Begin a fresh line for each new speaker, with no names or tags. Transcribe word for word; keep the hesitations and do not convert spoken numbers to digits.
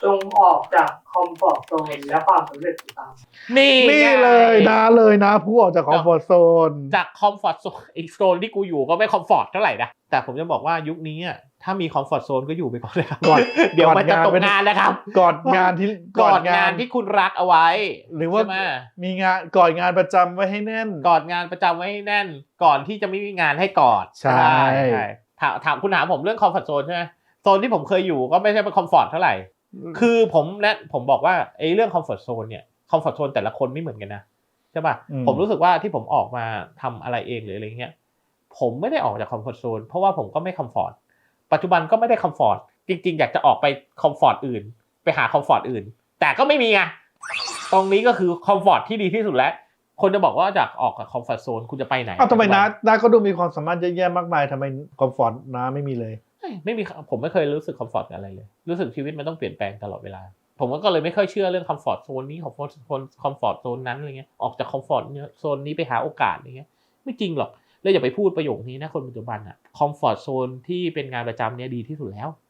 จงออกจากคอมฟอร์ตโซนและความสำเร็จตาม
นี่
นี่เลยนะเลยนะผู้ออกจากคอมฟอร์ตโซน
จากคอมฟอร์ตโซนอีกโซนที่กูอยู่ก็ไม่คอมฟอร์ตเท่าไหร่นะแต่ผมจะบอกว่ายุคนี้อ่ะถ้ามีคอมฟอร์ตโซนก็อยู่ไปก่อนเลยครับ
ก่อน
เดี๋ยวมันจะตกงานนะครับ
ก่อนงานที่
ก่อนงานที่คุณรักเอาไว้
หรือว่ามีงานก่อนงานประจำไว้ให้แน่น
ก่อนงานประจำไว้ให้แน่นก่อนที่จะไม่มีงานให้กอด
ใช่
ถามถามคุณถามผมเรื่องคอมฟอร์ตโซนใช่ไหมโซนที่ผมเคยอยู่ก็ไม่ใช่เป็นคอมฟอร์ตเท่าไหร่คือผมและผมบอกว่าไอ้เรื่องคอมฟอร์ตโซนเนี่ยคอมฟอร์ตโซนแต่ละคนไม่เหมือนกันนะใช่ป่ะผมรู้สึกว่าที่ผมออกมาทำอะไรเองหรืออะไรเงี้ยผมไม่ได้ออกจากคอมฟอร์ตโซนเพราะว่าผมก็ไม่คอมฟอร์ตปัจจุบันก็ไม่ได้คอมฟอร์ตจริงๆอยากจะออกไปคอมฟอร์ตอื่นไปหาคอมฟอร์ตอื่นแต่ก็ไม่มีไงตรงนี้ก็คือคอมฟอร์ตที่ดีที่สุดแล้วคนจะบอกว่าจากออกจากคอมฟอร์ตโซนคุณจะไปไหน
อ้าวทำไมน้าน้าก็ดูมีความสามารถเยอะแยะมากมายทำไมคอมฟอร์ตน้าไม่มีเลย
ไม่มีผมไม่เคยรู้สึกคอมฟอร์ตอะไรเลยรู้สึกชีวิตมันต้องเปลี่ยนแปลงตลอดเวลาผมก็เลยไม่ค่อยเชื่อเรื่องคอมฟอร์ตโซนนี้คอมฟอร์ตโซนคอมฟอร์ตโซนนั้นอะไรเงี้ยออกจากคอมฟอร์ตโซนนี้ไปหาโอกาสอะไรเงี้ยไม่จริงหรอกแล้วอย่าไปพูดประโยคนี้นะคนปัจจุบันอะคอมฟอร์ตโซนที่เป็นงานประจำเนี่ยดีที่สุดแล้ว